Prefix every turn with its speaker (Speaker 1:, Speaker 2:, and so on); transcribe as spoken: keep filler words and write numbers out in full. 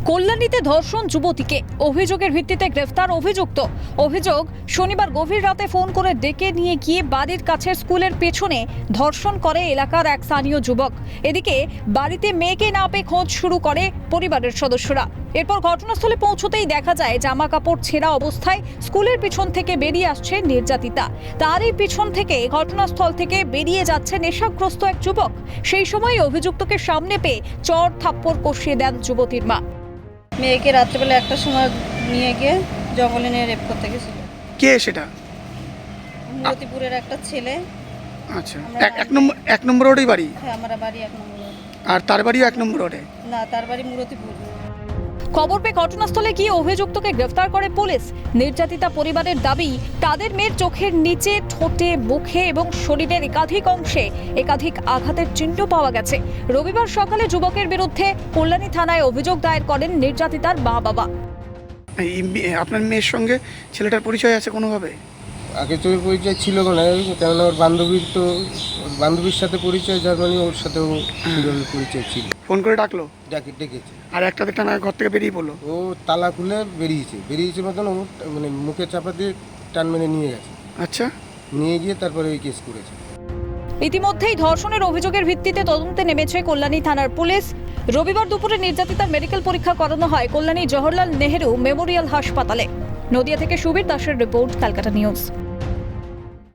Speaker 1: কল্যাণীতে ধর্ষণ যুবতীকে, অভিযোগের ভিত্তিতে গ্রেফতার অভিযুক্ত। অভিযোগ, শনিবার গভীর রাতে ফোন করে ডেকে নিয়ে গিয়ে বাড়ির কাছের স্কুলের পেছনে ধর্ষণ করে এলাকার এক স্থানীয় যুবক। এদিকে বাড়িতে মেয়েকে না পেয়ে খোঁজ শুরু করে পরিবারের সদস্যরা। এরপর ঘটনাস্থলে পৌঁছতেই দেখা যায় জামা কাপড় ছেঁড়া অবস্থায় স্কুলের পিছন থেকে বেরিয়ে আসছে নির্যাতিতা। তারই পিছন থেকে ঘটনাস্থল থেকে বেরিয়ে যাচ্ছে নেশাগ্রস্ত এক যুবক। সেই সময় অভিযুক্তকে সামনে পেয়ে চড় থাপ্পড় কষিয়ে দেন যুবতীর মা।
Speaker 2: মেয়েকে রাত্রেবেলা একটা সময় নিয়ে গিয়ে জঙ্গলে নিয়ে রেপ করতে গেছিল।
Speaker 3: কে সেটা?
Speaker 2: মতিপুরের একটা ছেলে।
Speaker 3: আচ্ছা, এক এক নম্বর এক নম্বর রোডেই বাড়ি?
Speaker 2: হ্যাঁ, আমার বাড়ি এক নম্বর রোড।
Speaker 3: আর তার বাড়িও এক নম্বর রোডে?
Speaker 2: না, তার বাড়ি মুরতিপুর।
Speaker 1: খবর পেয়ে ঘটনাস্থলে গিয়ে অভিযুক্তকে গ্রেফতার করে পুলিশ। নির্যাতিতা পরিবারের দাবি, তাদের মেয়ের চোখের নিচে, ঠোঁটে, মুখে এবং শরীরের একাধিক অংশে একাধিক আঘাতের চিহ্ন পাওয়া গেছে। রবিবার সকালে যুবকের বিরুদ্ধে কল্যাণী থানায় অভিযোগ দায়ের করেন নির্যাতিতার মা বাবা।
Speaker 3: এই মে- আপনার মেয়ের সঙ্গে ছেলেটার পরিচয় আছে কোনোভাবে?
Speaker 4: আগে তো ওর পরিচয় ছিল না, কেননা ওর বান্ধবীর তো ওর বান্ধবীর সাথে পরিচয়, যার মানে ওর সাথেও সুন্দর পরিচয় ছিল।
Speaker 3: ফোন করে ডাকলো
Speaker 4: ডাকে ডেকেছে,
Speaker 3: আর একটা দেখটা না ঘর থেকে বেরিয়ে পড়লো?
Speaker 4: ও তালা খুলে বেরিয়েছে বেরিয়েছে মতন ও মানে মুখে চাপা দিয়ে টান মেরে নিয়ে গেছে।
Speaker 3: আচ্ছা,
Speaker 4: নিয়ে গিয়ে তারপরে ওই কেস করেছে।
Speaker 1: ইতিমধ্যেই ধর্ষণের অভিযোগের ভিত্তিতে তদন্তে নেমেছে কল্যাণী থানার পুলিশ। রবিবার দুপুরে নির্যাতিতার মেডিকেল পরীক্ষা করানো হয় কল্যাণী জওহরলাল নেহেরু মেমোরিয়াল হাসপাতালে। নদিয়া থেকে সুবীর দাসের রিপোর্ট, ক্যালকাটা নিউজ।